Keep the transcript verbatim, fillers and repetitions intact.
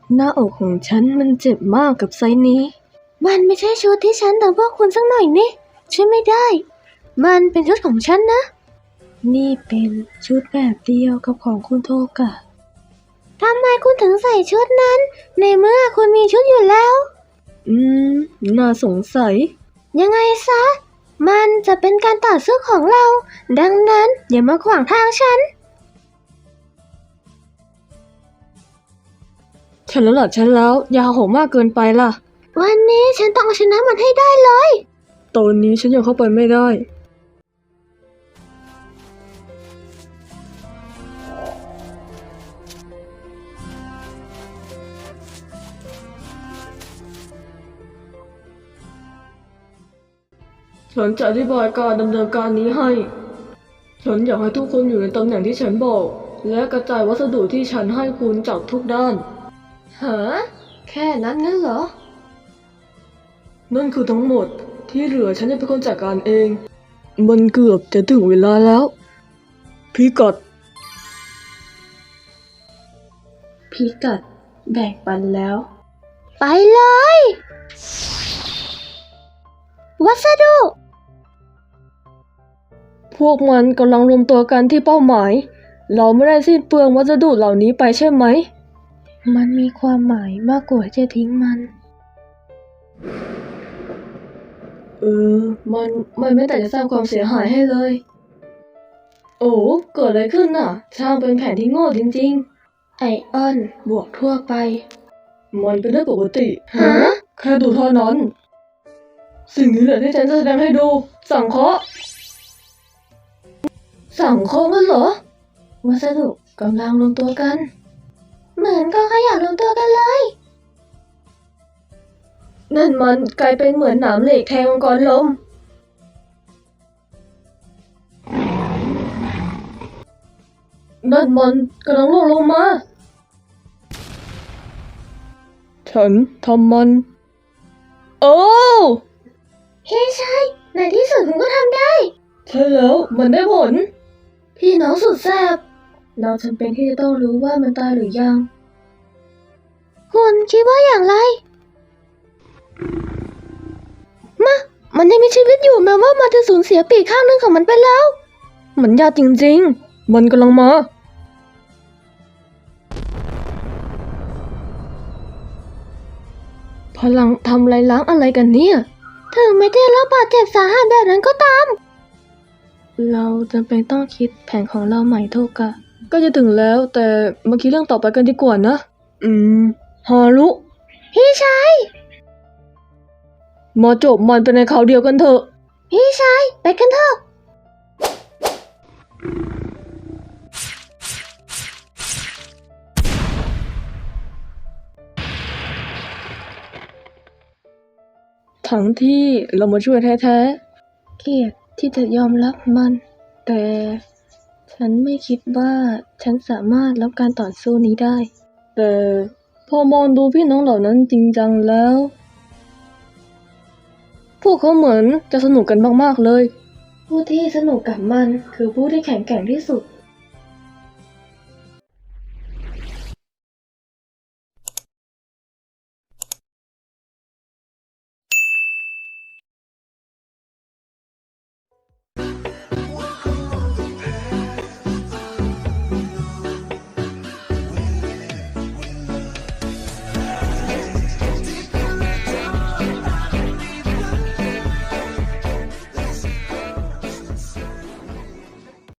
หน้าอกของฉันมันเจ็บมากกับไซส์นี้มันไม่ใช่ชุดที่ฉันแต่งพวกคุณสักหน่อยนี่ช่วยไม่ได้มันเป็นชุดของฉันนะนี่เป็นชุดแบบเดียวกับของคุณโทกะทำไมคุณถึงใส่ชุดนั้นในเมื่อคุณมีชุดอยู่แล้วอืมน่าสงสัยยังไงซะมันจะเป็นการต่อสู้ของเราดังนั้นอย่ามาขวางทางฉันฉันแล้วล่ะฉันแล้วยาโหมมากเกินไปล่ะวันนี้ฉันต้องเอาชนะมันให้ได้เลยตอนนี้ฉันยังเข้าไปไม่ได้ฉันจะอธิบายการดำเนินการนี้ให้ฉันอยากให้ทุกคนอยู่ในตำแหน่งที่ฉันบอกและกระจายวัสดุที่ฉันให้คุณจากทุกด้านฮะแค่นั้นงั้นเหรอนั่นคือทั้งหมดที่เหลือฉันจะเป็นคนจัดการเองมันเกือบจะถึงเวลาแล้วพิกัดพิกัดแบ่งปันแล้วไปเลยวัสดุพวกมันกำลังรวมตัวกันที่เป้าหมายเราไม่ได้สิ้นเปลืองวัสดุเหล่านี้ไปใช่ไหมมันมีความหมายมากกว่าจะทิ้งมันเออมันมันไม่แต่จะสร้างความเสียหายให้เลยโอ้เกิดอะไรขึ้นน่ะช่างเป็นแผนที่โง่จริงๆไอออนบวกทั่วไปมันเป็นเรื่องปกติฮะแค่ดูเท่านั้นสิ่งนี้แหละที่ฉันจะแสดงให้ดูสังเคราะห์สังเคราะห์กันเหรอวัสดุกำลังรวมตัวกันเหมือนกองขยะรวมตัวกันเลยนั่นมันกลายเป็นเหมือนหนามเหล็กแทงมังกรลมนั่นมันกำลังล่วงลงมาฉันทำมันโอ้เฮ้ใช่ในที่สุดคุณก็ทำได้ใช่แล้วมันได้ผลพี่น้องสุดแซ่บเราจำเป็นที่จะต้องรู้ว่ามันตายหรือยังคุณคิดว่าอย่างไรมะมันยังมีชีวิตอยู่แม้ว่ามันจะสูญเสียปีกข้างนึงของมันไปแล้วมันยากจริงๆมันกำลังมาพลังทำลายล้างอะไรกันเนี่ยถึงไม่ได้รับบาดเจ็บสาหัสแบบนั้นก็ตามเราจำเป็นต้องคิดแผนของเราใหม่โทกะก็จะถึงแล้วแต่มาคิดเรื่องต่อไปกันดีกว่านะอืมฮารุพี่ชายมาจบมันเป็นในคราวเดียวกันเถอะพี่ชายไปกันเถอะทั้งที่เรามาช่วยแท้ๆเกลียดที่จะยอมรับมันแต่ฉันไม่คิดว่าฉันสามารถรับการต่อสู้นี้ได้แต่พอมองดูพี่น้องเหล่านั้นจริงจังแล้วพวกเขาเหมือนจะสนุกกันมากๆเลยผู้ที่สนุกกับมันคือผู้ที่แข็งแกร่งที่สุด